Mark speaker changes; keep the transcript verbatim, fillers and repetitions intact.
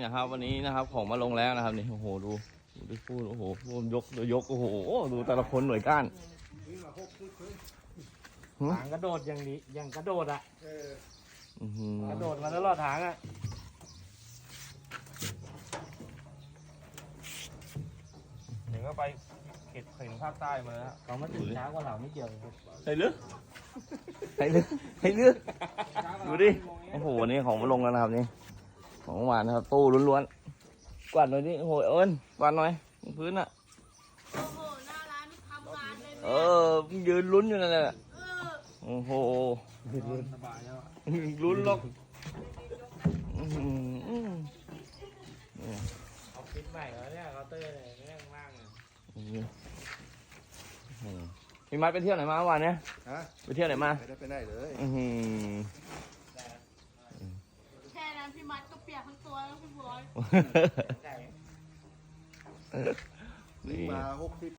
Speaker 1: นะครับวันนี้นะครับของมาลงแล้วนะครับนี่โอ้โหดูดูดิพูดโอ้โหพูดยกดูยกโอ้โหดูแต่ละคนหน่วยก้าน
Speaker 2: หางกระโดดอย่างนี้อย่างกระโดดอ่ะ
Speaker 1: อื้อหือก
Speaker 2: ระโดดมาตลอดทางอ่ะ
Speaker 1: เดี๋ยวก็ไปเข็ดเข็นภาคใต้มาแล้ว
Speaker 2: เขามาถึงช้ากว่าเราไม่เกี่ยวเลย
Speaker 1: ให้เลือกให้เลือกให้เลือกดูดิโอ้โหวันนี้ของมาลงแล้วนะครับนี่ของเมื่อวานนะครับตู้ล้วนๆกวาดหน่อยดิโอ้โหเอิญกวาดหน่อยพื้นอ่ะ
Speaker 3: โอ้โหหน้าร้านทำงานเลย
Speaker 1: เอ
Speaker 3: เนี่ย
Speaker 1: อยืนลุ้นอยู่นั่นแหละ
Speaker 3: เออ
Speaker 1: โอ้โห
Speaker 2: สบายแล้ว
Speaker 1: ลุ้นหรอกอื้อหือ
Speaker 2: เอาฟิตใหม่แล้วเนี่ยเคาน์เตอร์เนี่ยแม่งมากเลย
Speaker 1: พี่มัดไปเที่ยวไหนมาเมื่อวานเนี่ย
Speaker 4: ฮะ
Speaker 1: ไปเที่ยวไหนมา
Speaker 4: ไม่ได้ไปไหนเลย
Speaker 1: อื้อหือ
Speaker 3: แค่นั้นพี่มัดก็เปียกทั้งตัวแล้วพี่บอย
Speaker 2: ไก่
Speaker 1: นี่
Speaker 4: มาหกสิบ